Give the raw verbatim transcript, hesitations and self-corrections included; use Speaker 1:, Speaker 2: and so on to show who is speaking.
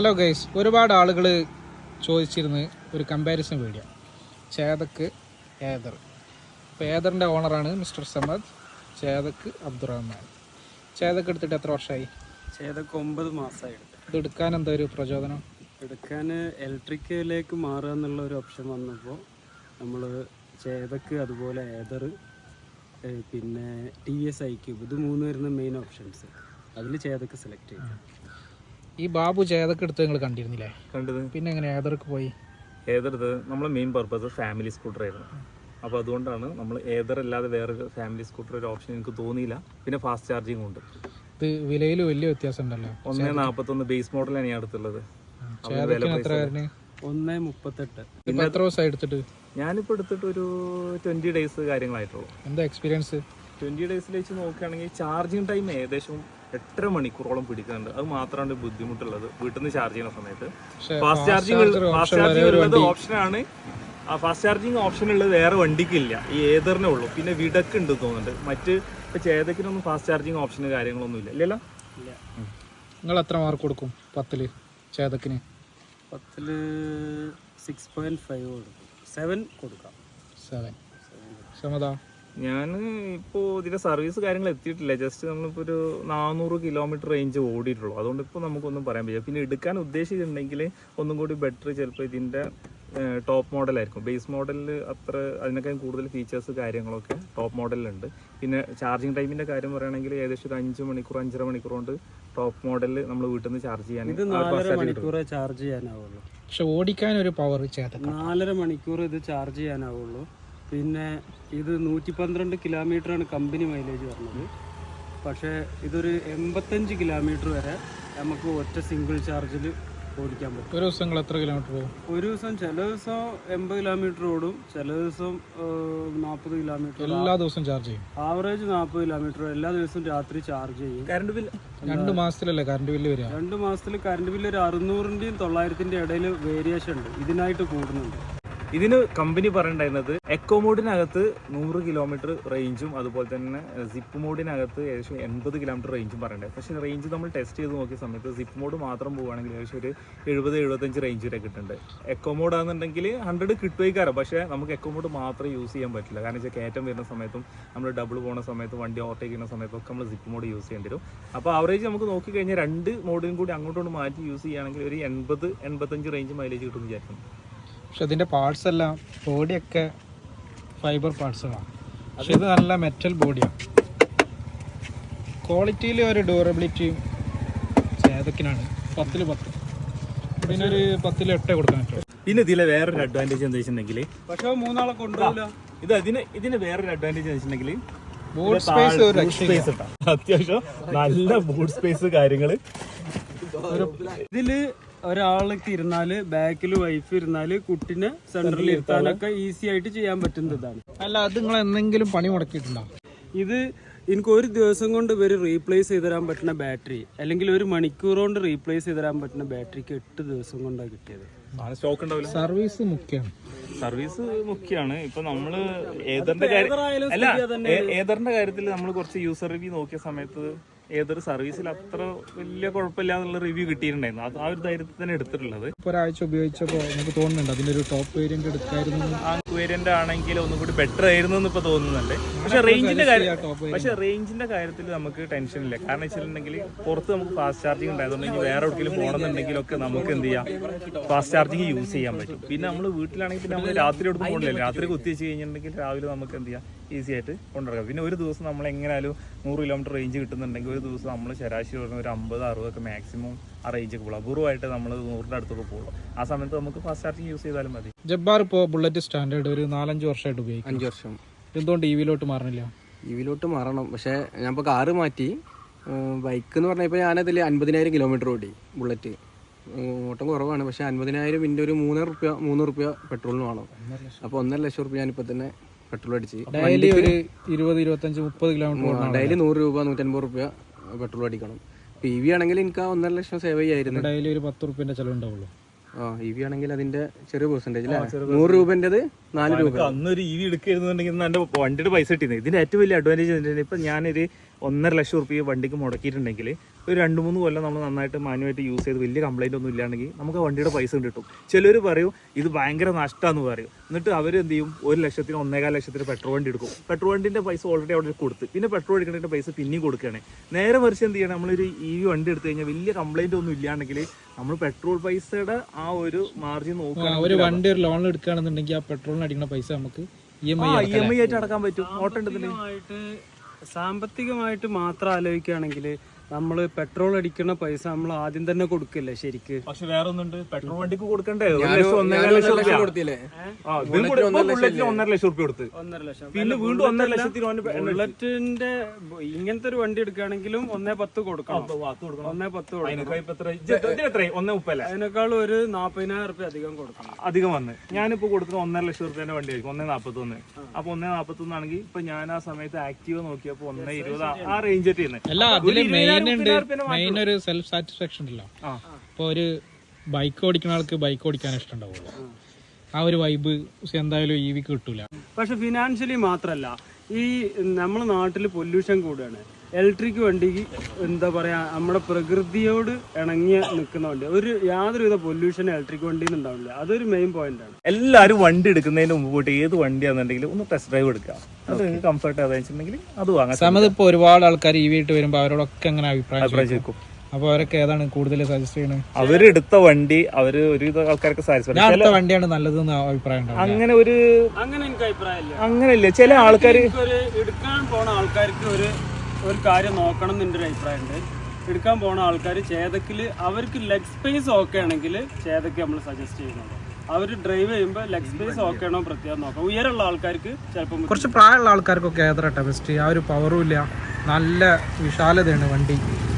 Speaker 1: Hello guys, ഒരുപാട് ആളുകൾ ചോദിച്ചിരുന്ന് ഒരു കമ്പാരിസൺ വീഡിയോ ചേതക്ക് ഏദർ. അപ്പോൾ ഏദറിൻ്റെ ഓണറാണ് മിസ്റ്റർ സമദ്, ചേതക്ക് അബ്ദുറഹ്മാൻ. ചേതക്ക് എടുത്തിട്ട് എത്ര വർഷമായി?
Speaker 2: ചേതക്ക് ഒമ്പത് മാസമായി.
Speaker 1: ഇത് എടുക്കാൻ എന്താ ഒരു പ്രചോദനം?
Speaker 2: എടുക്കാൻ ഇലക്ട്രിക്കിലേക്ക് മാറുക എന്നുള്ള ഒരു ഓപ്ഷൻ വന്നപ്പോൾ നമ്മൾ ചേതക്ക്, അതുപോലെ ഏദർ, പിന്നെ ടി എസ് ഐ ക്യൂബ്, ഇത് മൂന്ന് വരുന്ന മെയിൻ ഓപ്ഷൻസ്. അതിൽ ചേതക്ക് സെലക്ട് ചെയ്തു.
Speaker 1: ഈ ബാബു ചേതക്ക് എടുത്ത് നിങ്ങൾ കണ്ടിരുന്നില്ലേ?
Speaker 3: കണ്ടത്.
Speaker 1: പിന്നെ എങ്ങനെ ഏദർക്ക് പോയി?
Speaker 3: ഏതെടുത്ത് നമ്മളെ മെയിൻ പർപ്പസ് ഫാമിലി സ്കൂട്ടർ ആയിരുന്നു. അപ്പോൾ അതുകൊണ്ടാണ് നമ്മൾ ഏതർ അല്ലാതെ വേറെ ഫാമിലി സ്കൂട്ടർ ഒരു ഓപ്ഷൻ എനിക്ക് തോന്നിയില്ല. പിന്നെ ഫാസ്റ്റ് ചാർജിങ് ഉണ്ട്.
Speaker 1: ഇത് വിലയിൽ വലിയ വ്യത്യാസം ഉണ്ടല്ലോ.
Speaker 3: ഒന്നേ നാൽപ്പത്തൊന്ന് ബേസ് മോഡലാണ് ഞാൻ എടുത്തുള്ളത്.
Speaker 2: ഒന്നേ മുപ്പത്തെട്ട്.
Speaker 1: എത്ര ദിവസമായി എടുത്തിട്ട്?
Speaker 3: ഞാനിപ്പോൾ എടുത്തിട്ട് ഒരു ട്വൻറ്റി ഡേയ്സ് കാര്യങ്ങളായിട്ടുള്ളൂ.
Speaker 1: എന്താ എക്സ്പീരിയൻസ്?
Speaker 3: ട്വൻറ്റി ഡേയ്സിൽ വെച്ച് നോക്കുകയാണെങ്കിൽ ചാർജിങ് ടൈം ഏകദേശം എട്ടര മണിക്കൂറോളം പിടിക്കുന്നുണ്ട്. അത് മാത്രമാണ് ബുദ്ധിമുട്ടുള്ളത് വീട്ടിൽ നിന്ന് ചാർജ് ചെയ്യുന്ന സമയത്ത്. ഫാസ്റ്റ് ചാർജിങ് ഫാസ്റ്റ് ചാർജിങ് ഉള്ളത് ഓപ്ഷനാണ്. ആ ഫാസ്റ്റ് ചാർജിങ് ഓപ്ഷൻ ഉള്ളത് വേറെ വണ്ടിക്കില്ല, ഈ ഏതറിനേ ഉള്ളൂ. പിന്നെ വിടക്ക് ഉണ്ട് തോന്നുന്നുണ്ട്. മറ്റ് ഇപ്പോൾ ചേതക്കിനൊന്നും ഫാസ്റ്റ് ചാർജിങ് ഓപ്ഷന് കാര്യങ്ങളൊന്നും ഇല്ല. ഇല്ലല്ലോ.
Speaker 1: നിങ്ങൾ എത്ര മാർക്ക് കൊടുക്കും പത്തില് ചേതക്കിന്?
Speaker 2: പത്തില് സിക്സ് പോയിന്റ് ഫൈവ് കൊടുക്കും. സെവൻ കൊടുക്കാം.
Speaker 1: സെവൻ. സമതാ?
Speaker 3: ഞാൻ ഇപ്പോൾ ഇതിൻ്റെ സർവീസ് കാര്യങ്ങൾ എത്തിയിട്ടില്ല. ജസ്റ്റ് നമ്മളിപ്പോൾ ഒരു നാനൂറ് കിലോമീറ്റർ റേഞ്ച് ഓടിയിട്ടുള്ളൂ. അതുകൊണ്ട് ഇപ്പോൾ നമുക്കൊന്നും പറയാൻ പറ്റില്ല. പിന്നെ എടുക്കാൻ ഉദ്ദേശിച്ചിട്ടുണ്ടെങ്കിൽ ഒന്നും കൂടി ബെറ്റർ ചിലപ്പോൾ ഇതിൻ്റെ ടോപ്പ് മോഡലായിരിക്കും. ബേസ് മോഡലിൽ അത്ര അതിനേക്കാൾ കൂടുതൽ ഫീച്ചേഴ്സ് കാര്യങ്ങളൊക്കെ ടോപ്പ് മോഡലിലുണ്ട്. പിന്നെ ചാർജിങ് ടൈമിൻ്റെ കാര്യം പറയുകയാണെങ്കിൽ ഏകദേശം ഒരു അഞ്ച് മണിക്കൂർ അഞ്ചര മണിക്കൂർ കൊണ്ട് ടോപ്പ് മോഡലിൽ നമ്മൾ വീട്ടിൽ നിന്ന് ചാർജ് ചെയ്യാൻ
Speaker 2: ഇത് നാലര മണിക്കൂറേ ചാർജ് ചെയ്യാനാവുള്ളൂ.
Speaker 1: പക്ഷെ ഓടിക്കാൻ ഒരു പവർ ചേതക്ക്
Speaker 2: നാലര മണിക്കൂർ ഇത് ചാർജ് ചെയ്യാനാവുള്ളൂ. പിന്നെ ഇത് നൂറ്റി പന്ത്രണ്ട് കിലോമീറ്ററാണ് കമ്പനി മൈലേജ് പറഞ്ഞത്. പക്ഷേ ഇതൊരു എൺപത്തഞ്ച് കിലോമീറ്റർ വരെ നമുക്ക് ഒറ്റ സിംഗിൾ ചാർജിൽ ഓടിക്കാൻ പറ്റും.
Speaker 1: ഒരു ദിവസം എത്ര കിലോമീറ്റർ പോകും?
Speaker 2: ഒരു ദിവസം ചില ദിവസം എൺപത് കിലോമീറ്റർ ഓടും, ചില ദിവസം നാൽപ്പത് കിലോമീറ്റർ.
Speaker 1: എല്ലാ ദിവസവും ചാർജ് ചെയ്യും?
Speaker 2: ആവറേജ് നാൽപ്പത് കിലോമീറ്റർ എല്ലാ ദിവസവും രാത്രി ചാർജ് ചെയ്യും.
Speaker 3: കറണ്ട് ബില്ല്
Speaker 1: രണ്ട് മാസത്തിലല്ലേ കറണ്ട് ബില്ല് വരിക?
Speaker 2: രണ്ട് മാസത്തിൽ കറണ്ട് ബില്ല് ഒരു അറുന്നൂറിൻ്റെയും തൊള്ളായിരത്തിൻ്റെ ഇടയിൽ വേരിയേഷൻ ഉണ്ട്. ഇതിനായിട്ട് കൂടുന്നുണ്ട്.
Speaker 3: ഇതിന് കമ്പനി പറയണ്ടായിരുന്നത് എക്കോ മോഡിനകത്ത് നൂറ് കിലോമീറ്റർ റേഞ്ചും അതുപോലെ തന്നെ സിപ്പ് മോഡിനകത്ത് ഏകദേശം എൺപത് കിലോമീറ്റർ റേഞ്ചും പറയണ്ടായി. പക്ഷേ റേഞ്ച് നമ്മൾ ടെസ്റ്റ് ചെയ്ത് നോക്കിയ സമയത്ത് സിപ്പ് മോഡ് മാത്രം പോവുകയാണെങ്കിൽ ഏകദേശം ഒരു എഴുപത് എഴുപത്തഞ്ച് റേഞ്ച് വരെ കിട്ടുന്നുണ്ട്. എക്കോ മോഡ് ആണെന്നുണ്ടെങ്കിൽ ഹൺഡ്രഡ് കിട്ടുമായിക്കാരം. പക്ഷേ നമുക്ക് എക്കോ മോഡ് മാത്രം യൂസ് ചെയ്യാൻ പറ്റില്ല. കാരണം വെച്ചാൽ കയറ്റം വരുന്ന സമയത്തും നമ്മൾ ഡബിൾ പോകുന്ന സമയത്തും വണ്ടി ഓവർടേക്ക് ചെയ്യുന്ന സമയത്തൊക്കെ നമ്മൾ സിപ്പ് മോഡ് യൂസ് ചെയ്യേണ്ടി വരും. അപ്പോൾ ആവറേജ് നമുക്ക് നോക്കിക്കഴിഞ്ഞാൽ രണ്ട് മോഡിനും കൂടി അങ്ങോട്ടും മാറ്റി യൂസ് ചെയ്യുകയാണെങ്കിൽ ഒരു എൺപത് എൺപത്തഞ്ച് റേഞ്ച് മൈലേജ് കിട്ടുമെന്ന് വിചാരിക്കുന്നു.
Speaker 1: പക്ഷെ ഇതിൻ്റെ പാർട്സ് എല്ലാം ബോഡിയൊക്കെ ഫൈബർ പാർട്സുകളാണ്. പക്ഷെ ഇത് നല്ല മെറ്റൽ ബോഡിയാണ്. ക്വാളിറ്റിയിൽ ഒരു ഡ്യൂറബിലിറ്റിയും ചേതക്കിനാണ്. പത്തിൽ പത്ത്. പിന്നെ ഒരു പത്തിൽ എട്ടേ കൊടുക്കാൻ പറ്റും.
Speaker 3: പിന്നെ ഇതിലെ വേറൊരു അഡ്വാൻറ്റേജ് എന്താ വെച്ചിട്ടുണ്ടെങ്കിൽ,
Speaker 2: പക്ഷേ മൂന്നാളെ കൊണ്ടുപോകില്ല.
Speaker 3: ഇത് അതിന് ഇതിന് വേറൊരു അഡ്വാൻറ്റേജ് എന്ന് വെച്ചിട്ടുണ്ടെങ്കിൽ
Speaker 1: ബൂട്ട് സ്പേസ് ഒരു
Speaker 3: സ്പേസ് ഇട്ടാ അത്യാവശ്യം നല്ല ബൂട്ട് സ്പേസ് കാര്യങ്ങൾ.
Speaker 2: ഇതില് ഒരാൾക്ക് ഇരുന്നാല് ബാക്കിൽ വൈഫ് ഇരുന്നാല് കുട്ടിനെ സെന്ററിൽ ഇരുത്താനൊക്കെ ഈസി ആയിട്ട് ചെയ്യാൻ പറ്റുന്നതാണ്.
Speaker 1: അല്ല, അത് നിങ്ങൾ എന്തെങ്കിലും പണി മുടക്കിയിട്ടുണ്ടോ?
Speaker 2: ഇത് എനിക്ക് ഒരു ദിവസം കൊണ്ട് ഇവർ റീപ്ലേസ് ചെയ്ത് തരാൻ പറ്റുന്ന ബാറ്ററി, അല്ലെങ്കിൽ ഒരു മണിക്കൂർ കൊണ്ട് റീപ്ലേസ് ചെയ്ത് തരാൻ പറ്റുന്ന ബാറ്ററിക്ക് എട്ട് ദിവസം കൊണ്ടാണ് കിട്ടിയത്.
Speaker 3: സ്റ്റോക്ക് ഉണ്ടാവില്ല.
Speaker 1: സർവീസ് മുഖ്യമാണ്.
Speaker 3: സർവീസ് മുഖ്യമാണ്. ഇപ്പൊ നമ്മള് ഏതറിന്റെ കാര്യം അല്ല ഏതറിന്റെ കാര്യത്തിൽ നമ്മൾ കുറച്ച് യൂസർ റിവ്യൂ നോക്കിയ സമയത്ത് ഏതൊരു സർവീസിൽ അത്ര വലിയ കുഴപ്പമില്ല എന്നുള്ള റിവ്യൂ കിട്ടിയിട്ടുണ്ടായിരുന്നു. അത് ആ ഒരു ധൈര്യത്തിൽ തന്നെ എടുത്തിട്ടുള്ളത്.
Speaker 1: ഇപ്പോൾ ഒരാഴ്ച ഉപയോഗിച്ചപ്പോൾ നമുക്ക് തോന്നുന്നുണ്ട് അതിൻ്റെ ഒരു ടോപ്പ് വേരിയന്റ് എടുക്കായിരുന്നു.
Speaker 3: ആ വേരിയന്റ് ആണെങ്കിൽ ഒന്നും കൂടി ബെറ്റർ ആയിരുന്നു എന്ന് ഇപ്പൊ തോന്നുന്നുണ്ട്. പക്ഷെ റേഞ്ചിന്റെ കാര്യം പക്ഷെ റേഞ്ചിന്റെ കാര്യത്തിൽ നമുക്ക് ടെൻഷൻ ഇല്ല. കാരണം വെച്ചിട്ടുണ്ടെങ്കിൽ പുറത്ത് നമുക്ക് ഫാസ്റ്റ് ചാർജിങ് ഉണ്ടായതുകൊണ്ടെങ്കിൽ വേറെ എവിടെയെങ്കിലും പോകണമെന്നുണ്ടെങ്കിലൊക്കെ നമുക്ക് എന്ത് ചെയ്യാം, ഫാസ്റ്റ് ചാർജിങ് യൂസ് ചെയ്യാൻ പറ്റും. പിന്നെ നമ്മൾ വീട്ടിലാണെങ്കിൽ പിന്നെ നമ്മൾ രാത്രി എടുത്ത് പോകണില്ല. രാത്രി കുത്തി വെച്ച് കഴിഞ്ഞിട്ടുണ്ടെങ്കിൽ രാവിലെ നമുക്ക് എന്ത് ചെയ്യാം, ഈസി ആയിട്ട് കൊണ്ടുനടക്കാം. പിന്നെ ഒരു ദിവസം നമ്മൾ എങ്ങനെയാലും നൂറ് കിലോമീറ്റർ റേഞ്ച് കിട്ടുന്നുണ്ടെങ്കിൽ ഒരു ദിവസം നമ്മൾ ശരാശരി പറഞ്ഞ ഒരു അമ്പത് അറുപതൊക്കെ മാക്സിമം ആ റേഞ്ചൊക്കെ പോകും. അപൂർവമായിട്ട് നമ്മൾ നൂറിൻ്റെ അടുത്തൊക്കെ പോകും. ആ സമയത്ത് നമുക്ക് ഫാസ്റ്റ് ചാർജിങ് യൂസ് ചെയ്താലും മതി.
Speaker 1: ജബ്ബാർ ഇപ്പോൾ ബുള്ളറ്റ് സ്റ്റാൻഡേർഡ് ഒരു നാലഞ്ച് വർഷമായിട്ട് ഉപയോഗിക്കും.
Speaker 4: അഞ്ച് വർഷം.
Speaker 1: എന്തുകൊണ്ട് ഇ വിയിലോട്ട് മാറണില്ല?
Speaker 4: ഇ വിയിലോട്ട് മാറണം. പക്ഷേ ഞാൻ ഇപ്പോൾ കാറ് മാറ്റി. ബൈക്ക് എന്ന് പറഞ്ഞാൽ ഇപ്പോൾ ഞാനതിൽ അൻപതിനായിരം കിലോമീറ്റർ ഓടി. ബുള്ളറ്റ് ഓട്ടം കുറവാണ്. പക്ഷേ അൻപതിനായിരം ഇതിൻ്റെ ഒരു മൂന്നര റുപ്യ മൂന്ന് റുപ്യ പെട്രോളിന് വേണം. അപ്പോൾ ഒന്നര ലക്ഷം റുപ്യ ഞാനിപ്പോൾ തന്നെ പെട്രോൾ അടിച്ച്
Speaker 1: ഡെയിലി ഒരു ഇരുപത് ഇരുപത്തഞ്ച് മുപ്പത് കിലോമീറ്റർ
Speaker 4: ഡെയിലി നൂറ് രൂപ നൂറ്റൻപത് റുപ്യ പെട്രോൾ അടിക്കണം. ഇപ്പോൾ ഇ വി ആണെങ്കിൽ എനിക്ക് ആ ഒന്നര ലക്ഷം സേവ് ചെയ്യായിരുന്നു.
Speaker 1: ഡെയിലി ഒരു പത്ത് റുപ്യൻ്റെ ചിലവുണ്ടാവുള്ളൂ.
Speaker 4: ആ ഇ വി ആണെങ്കിൽ അതിന്റെ ചെറിയ പെർസെന്റേജ് അല്ലേ, നൂറ് രൂപൻ്റെത് നാല് രൂപ.
Speaker 3: അന്നൊരു ഇ വി എടുക്കരുന്നുണ്ടെങ്കിൽ എൻ്റെ വണ്ടിയുടെ പൈസ കിട്ടിയത്. ഇതിന്റെ ഏറ്റവും വലിയ അഡ്വാൻറ്റേജ് ഇപ്പൊ ഞാനൊരു ഒന്നര ലക്ഷം റുപ്യ വണ്ടിക്ക് മുടക്കിയിട്ടുണ്ടെങ്കിൽ ഒരു രണ്ട് മൂന്ന് കൊല്ലം നമ്മൾ നന്നായിട്ട് മാനുവായിട്ട് യൂസ് ചെയ്ത് വലിയ കംപ്ലൈൻ്റ് ഒന്നും ഇല്ലാണ്ടെങ്കിൽ നമുക്ക് ആ വണ്ടിയുടെ പൈസ കിട്ടും. ചിലർ പറയും ഇത് ഭയങ്കര നഷ്ടമാണെന്ന് പറയും. എന്നിട്ട് അവർ എന്ത് ചെയ്യും, ഒരു ലക്ഷത്തിന് ഒന്നേകാൽ ലക്ഷത്തിന് പെട്രോൾ വണ്ടി എടുക്കും. പെട്രോൾ വണ്ടിൻ്റെ പൈസ ഓൾറെഡി അവിടെ കൊടുത്ത് പിന്നെ പെട്രോൾ എടുക്കേണ്ട പൈസ പിന്നെയും കൊടുക്കുകയാണ്. നേരെ മറിച്ച് എന്ത് ചെയ്യണം, നമ്മളൊരു ഇ വി വണ്ടി എടുത്തു കഴിഞ്ഞാൽ വലിയ കംപ്ലൈൻ്റ് ഒന്നും ഇല്ലാണ്ടെങ്കിൽ നമ്മൾ പെട്രോൾ പൈസയുടെ ആ ഒരു മാർജിൻ നോക്കുക.
Speaker 1: ഒരു വണ്ടി ഒരു ലോൺ എടുക്കുകയാണെന്നുണ്ടെങ്കിൽ ആ പെട്രോളിന് അടിക്കുന്ന പൈസ നമുക്ക് E M I
Speaker 3: E M I ആയിട്ട് അടക്കാൻ പറ്റും. ഓട്ടം
Speaker 2: സാമ്പത്തികമായിട്ട് സാമ്പത്തികമായിട്ട് മാത്രം ആലോചിക്കുകയാണെങ്കിൽ നമ്മൾ പെട്രോൾ അടിക്കുന്ന പൈസ നമ്മൾ ആദ്യം തന്നെ കൊടുക്കില്ലേ ശരിക്ക്.
Speaker 3: പക്ഷെ വേറെ ഒന്നുണ്ട്, പെട്രോൾ വണ്ടിക്ക് കൊടുക്കണ്ടേ ഒരു ലക്ഷം ഒന്നര ലക്ഷം രൂപ
Speaker 4: കൊടുത്തില്ലേ?
Speaker 3: ഒന്നര ലക്ഷം രൂപ കൊടുത്ത്
Speaker 2: ഒന്നര ലക്ഷം
Speaker 3: പിന്നെ വീണ്ടും ഒന്നര ലക്ഷത്തിന്
Speaker 2: ബുള്ളറ്റിന്റെ ഇങ്ങനത്തെ ഒരു വണ്ടി എടുക്കുകയാണെങ്കിലും ഒന്നേ പത്ത് കൊടുക്കണം. ഒന്നേ പത്ത് കൊടുക്കണം.
Speaker 3: ഒന്നേ മുപ്പല്ല
Speaker 2: അതിനേക്കാൾ ഒരു നാപ്പതിനായിരം റുപ്യ അധികം കൊടുക്കണം.
Speaker 3: അധികം വന്ന് ഞാനിപ്പോ കൊടുക്കുന്ന ഒന്നര ലക്ഷം റുപ്യന്റെ വണ്ടി ആയിരിക്കും ഒന്നേ നാപ്പത്തി ഒന്ന്. അപ്പൊ ഒന്നേ നാപ്പത്തി ഒന്നാണെങ്കിൽ ഇപ്പൊ ഞാൻ ആ സമയത്ത് ആക്റ്റീവ് നോക്കിയപ്പോ ഒന്നേ ഇരുപത് ആ റേഞ്ച് ചെയ്യുന്നത്.
Speaker 1: അല്ല, അതില് മെയിൻ ഉണ്ട് മെയിൻ ഒരു സെൽഫ് സാറ്റിസ്ഫാക്ഷൻ ഉണ്ടല്ലോ. ഇപ്പൊ ഒരു ബൈക്ക് ഓടിക്കുന്ന ആൾക്ക് ബൈക്ക് ഓടിക്കാൻ ഇഷ്ടമുണ്ടാവുള്ളൂ. ആ ഒരു വൈബ് എന്തായാലും ഇ വിക്ക് കിട്ടൂല.
Speaker 2: പക്ഷെ ഫിനാൻഷ്യലി മാത്രല്ല, ഈ നമ്മുടെ നാട്ടിൽ പൊല്യൂഷൻ കൂടുകയാണ്. ഇലക്ട്രിക് വണ്ടി എന്താ പറയാ, നമ്മുടെ പ്രകൃതിയോട് ഇണങ്ങിയ നിൽക്കുന്ന വണ്ടി, ഒരു യാതൊരുവിധ പൊല്യൂഷൻ ഇലക്ട്രിക് വണ്ടിയിൽ നിന്ന് ഉണ്ടാവില്ല. അതൊരു മെയിൻ പോയിന്റ് ആണ്.
Speaker 3: എല്ലാവരും വണ്ടി എടുക്കുന്നതിന് മുമ്പ് പോയിട്ട് ഏത് വണ്ടിയാണെന്നുണ്ടെങ്കിലും ഒന്ന് ടെസ്റ്റ് ഡ്രൈവ് എടുക്കുക. അത് നിങ്ങൾക്ക് കംഫർട്ട് ആണെന്നുണ്ടെങ്കിൽ അത് വാങ്ങാം.
Speaker 1: സമയത്ത് ഇപ്പൊ ഒരുപാട് ആൾക്കാർ ഇ വി ആയിട്ട് വരുമ്പോ അവരോടൊക്കെ അങ്ങനെ അഭിപ്രായം
Speaker 3: അഭിപ്രായം
Speaker 1: അപ്പൊ അവരൊക്കെ ഏതാണ് കൂടുതൽ സജസ്റ്റ് ചെയ്യുന്നത്?
Speaker 3: അവരെടുത്ത വണ്ടി അവര് ഒരുവിധ ആൾക്കാർക്ക് സാറ്റിസ്ഫൈഡ്
Speaker 1: അടുത്ത വണ്ടിയാണ് നല്ലതെന്ന് അഭിപ്രായം ഉണ്ടാവും.
Speaker 3: അങ്ങനെ ഒരു
Speaker 2: അങ്ങനെ എനിക്ക് അഭിപ്രായമില്ല.
Speaker 3: അങ്ങനെയല്ലേ ചില ആൾക്കാർ
Speaker 2: ഒരു എടുക്കാൻ പോണ ആൾക്കാർക്ക് ഒരു ഒരു കാര്യം നോക്കണം എന്ന് എൻ്റെ ഒരു അഭിപ്രായമുണ്ട്. എടുക്കാൻ പോണ ആൾക്കാർ ചേതക്കിൽ അവർക്ക് ലെഗ് സ്പേസ് ഓക്കെ ആണെങ്കിൽ ചേതക്ക് നമ്മൾ സജസ്റ്റ് ചെയ്യുന്നുണ്ട്. അവർ ഡ്രൈവ് ചെയ്യുമ്പോൾ ലെഗ് സ്പേസ് ഓക്കെ ആണോ പ്രത്യേകം നോക്കാം. ഉയരമുള്ള ആൾക്കാർക്ക് ചിലപ്പോൾ
Speaker 1: കുറച്ച് പ്രായമുള്ള ആൾക്കാർക്കൊക്കെ ഏതറട്ടെ ബെസ്റ്റ്. ആ ഒരു പവറും ഇല്ല, നല്ല വിശാലതയാണ് വണ്ടി.